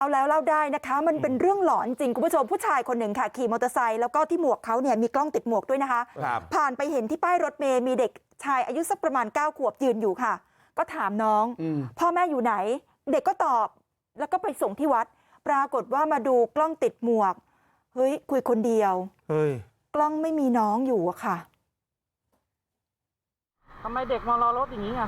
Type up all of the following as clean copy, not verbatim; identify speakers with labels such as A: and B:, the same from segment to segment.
A: เอาแล้วเล่าได้นะคะมันเป็นเรื่องหลอนจริงคุณผู้ชมผู้ชายคนหนึ่งค่ะขี่มอเตอร์ไซค์แล้วก็ที่หมวกเขาเนี่ยมีกล้องติดหมวกด้วยนะคะผ่านไปเห็นที่ป้ายรถเมย์มีเด็กชายอายุสักประมาณ9 ขวบยืนอยู่ค่ะก็ถามน้องพ่อแม่อยู่ไหนเด็กก็ตอบแล้วก็ไปส่งที่วัดปรากฏว่ามาดูกล้องติดหมวกเฮ้ยคุยคนเดียวเฮ้ยกล้องไม่มีน้องอยู่อะค่ะ
B: ทำไมเด็กมารอรถอย่างนี้อ่ะ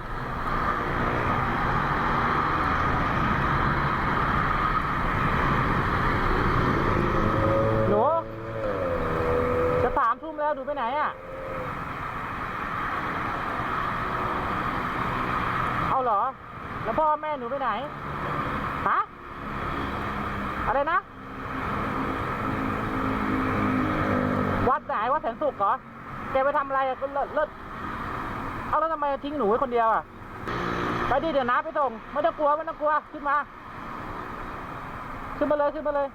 B: หนูจะ3 ทุ่มแล้วหนูไปไหนอ่ะเอาเหรอแล้วพ่อแม่หนูไปไหนฮะอะไรนะวัดไหนวัดแสนสุขเหรอแกไปทำอะไรอ่ะก็เลิศเอาแล้วทำไมทิ้งหนูไว้คนเดียวอ่ะไปดิเดี๋ยวน้าไปส่งไม่ต้องกลัวไม่ต้องกลัวขึ้นมาเลย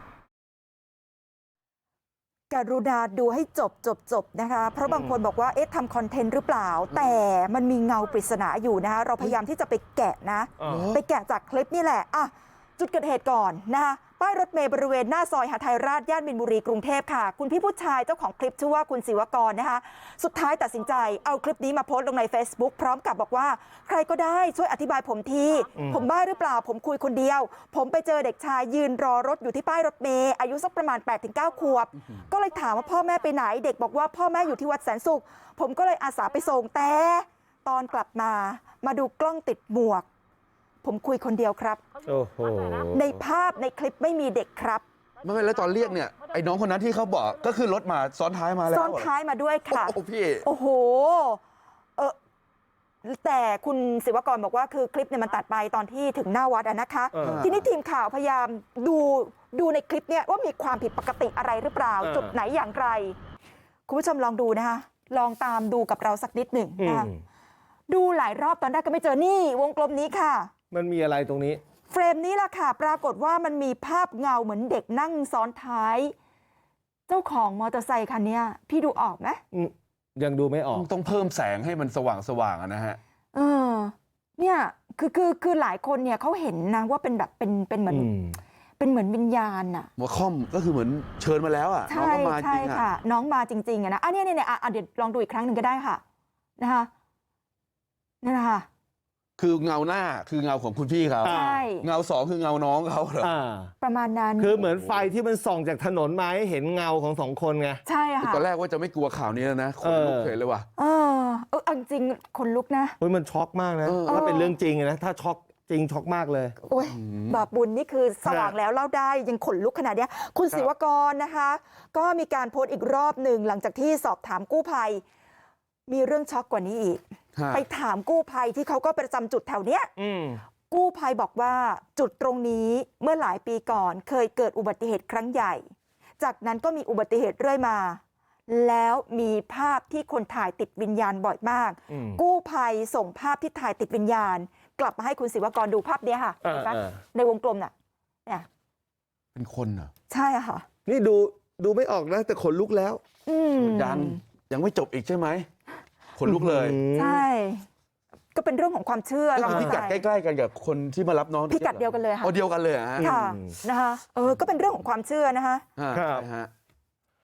A: กรุณาดูให้จบนะคะเพราะบางคนบอกว่าเอ๊ะทำคอนเทนต์หรือเปล่าแต่มันมีเงาปริศนาอยู่นะคะเราพยายามที่จะไปแกะนะไปแกะจากคลิปนี่แหละอ่ะจุดเกิดเหตุก่อนนะคะป้ายรถเมล์บริเวณหน้าซอยหทัยราชย่านมินบุรีกรุงเทพค่ะคุณพี่ผู้ชายเจ้าของคลิปชื่อว่าคุณศิวกรนะคะสุดท้ายตัดสินใจเอาคลิปนี้มาโพสต์ลงใน Facebook พร้อมกับบอกว่าใครก็ได้ช่วยอธิบายผมทีผมบ้าหรือเปล่าผมคุยคนเดียวผมไปเจอเด็กชายยืนรอรถอยู่ที่ป้ายรถเมล์อายุสักประมาณ 8-9 ขวบก็เลยถามว่าพ่อแม่ไปไหนเด็กบอกว่าพ่อแม่อยู่ที่วัดแสนสุขผมก็เลยอาสาไปส่งแต่ตอนกลับมาดูกล้องติดหมวกผมคุยคนเดียวครับโอ้โหในภาพในคลิปไม่มีเด็กครับ
C: ไม่แล้วตอนเรียกเนี่ยไอ้น้องคนนั้นที่เขาบอกก็คือรถมาซ้อนท้ายมาแล้ว
A: ซ้อนท้ายมาด้วยค่ะ
C: โอ้พี่
A: โอ้โหแต่คุณศิวกรบอกว่าคือคลิปเนี่ยมันตัดไปตอนที่ถึงหน้าวัดนะคะทีนี้ทีมข่าวพยายามดูในคลิปเนี่ยว่ามีความผิดปกติอะไรหรือเปล่าจุดไหนอย่างไรคุณผู้ชมลองดูนะคะลองตามดูกับเราสักนิดหนึ่งนะคะดูหลายรอบตอนแรกก็ไม่เจอนี่วงกลมนี้ค่ะ
D: มันมีอะไรตรงนี้
A: เฟรมนี้แหละค่ะปรากฏว่ามันมีภาพเงาเหมือนเด็กนั่งซ้อนท้ายเจ้าของมอเตอร์ไซค์คันนี้พี่ดูออกไหม
D: ยังดูไม่ออก
C: ต้องเพิ่มแสงให้มันสว่างนะฮะ
A: เนี่ยคือหลายคนเนี่ยเขาเห็นนะว่าเป็นแบบเป็นเหมือนเป็นเหมือนวิญญาณอะ
C: หัวค่อมก็คือเหมือนเชิญมาแล้วอ่ะน้องมาจริง
A: ค่ะน้องมาจริงๆอะนะเนี่ยเดี๋ยวลองดูอีกครั้งหนึ่งก็ได้ค่ะนะคะนี่นะคะ
C: คือเงาหน้าคือเงาของคุณพี่เขา
A: ใช่
C: เงา2คือเงาน้องเขาเหรอ
A: ประมาณนั้น
D: คือเหมือนไฟที่มันส่องจากถนนมาให้เห็นเงาของ2 คนไง
A: ใช่ค่ะ
C: ตอนแรกว่าจะไม่กลัวข่าวนี้แล้วนะคนลุกเลยว่ะ
A: จริงคนลุกนะ
D: มันช็อกมากนะถ้าเป็นเรื่องจริงนะถ้าช็อกจริงช็อกมากเลย
A: โอ้ยบาปบุญนี่คือสว่างแล้วเล่าได้ยังขนลุกขนาดนี้คุณศิวกรนะคะก็มีการโพสต์อีกรอบหนึ่งหลังจากที่สอบถามกู้ภัยมีเรื่องช็อกกว่านี้อีกไปถามกู้ภัยที่เขาก็ประจำจุดแถวเนี้ยกู้ภัยบอกว่าจุดตรงนี้เมื่อหลายปีก่อนเคยเกิดอุบัติเหตุครั้งใหญ่จากนั้นก็มีอุบัติเหตุเรื่อยมาแล้วมีภาพที่คนถ่ายติดวิญญาณบ่อยมากกู้ภัยส่งภาพที่ถ่ายติดวิญญาณกลับมาให้คุณศิวกรดูภาพนี้ค่ะในวงกลมน่ะเนี่ย
C: เป็นคนเหรอ
A: ใช่ค่ะ
D: นี่ดูไม่ออกนะแต่ขนลุกแล้ว
C: ยังไม่จบอีกใช่ไหมขนลุกเลย
A: ใช่ก็เป็นเรื่องของความเชื่อ
C: พิกัดใกล้ๆกันกับคนที่มารับน้อง
A: พิกัดเดียวกันเลยค่ะ
C: เดียวกันเลย
A: ค่ะนะคะก็เป็นเรื่องของความเชื่อนะคะ
C: ครับ